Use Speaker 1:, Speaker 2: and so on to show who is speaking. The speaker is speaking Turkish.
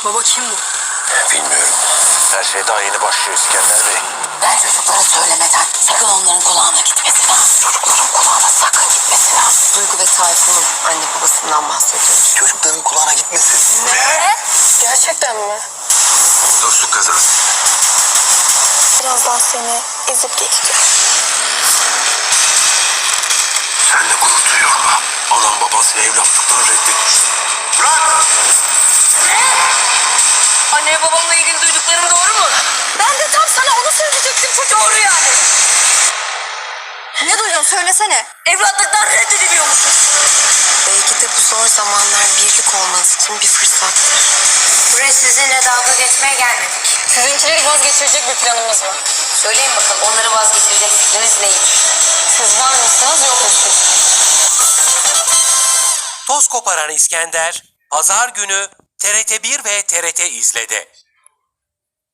Speaker 1: Baba kim bu?
Speaker 2: Bilmiyorum. Her şey daha yeni başlıyor İskender Bey.
Speaker 3: Ben çocuklara söylemeden sakın onların kulağına gitmesin ha. Çocukların kulağına sakın gitmesin ha.
Speaker 1: Duygu ve Tayfun'un anne babasından bahsediyoruz.
Speaker 2: Çocukların kulağına gitmesin.
Speaker 1: Ne? Gerçekten mi?
Speaker 2: Dostluk kazası.
Speaker 4: Birazdan seni ezip geçeceğim.
Speaker 2: Sen de gurur duyuyorlar. Adam babasını evlatlıktan reddetmiş. Bırak!
Speaker 1: Anne babamla ilgili duyduklarım doğru mu? Ben de tam sana onu söyleyecektim. Çok doğru yani.
Speaker 4: Ne duydun söylesene.
Speaker 1: Evlatlıktan reddediliyormuşuz.
Speaker 3: Belki de bu zor zamanlar birlik olmanız için bir fırsattır.
Speaker 1: Buraya sizinle dalga geçmeye gelmedik. Sizinkileri vazgeçirecek bir planımız var. Söyleyin bakalım onları vazgeçirecek fikriniz neymiş? Siz var mısınız yok musunuz?
Speaker 5: Toz koparan İskender, Pazar günü TRT 1 ve TRT İzle'de.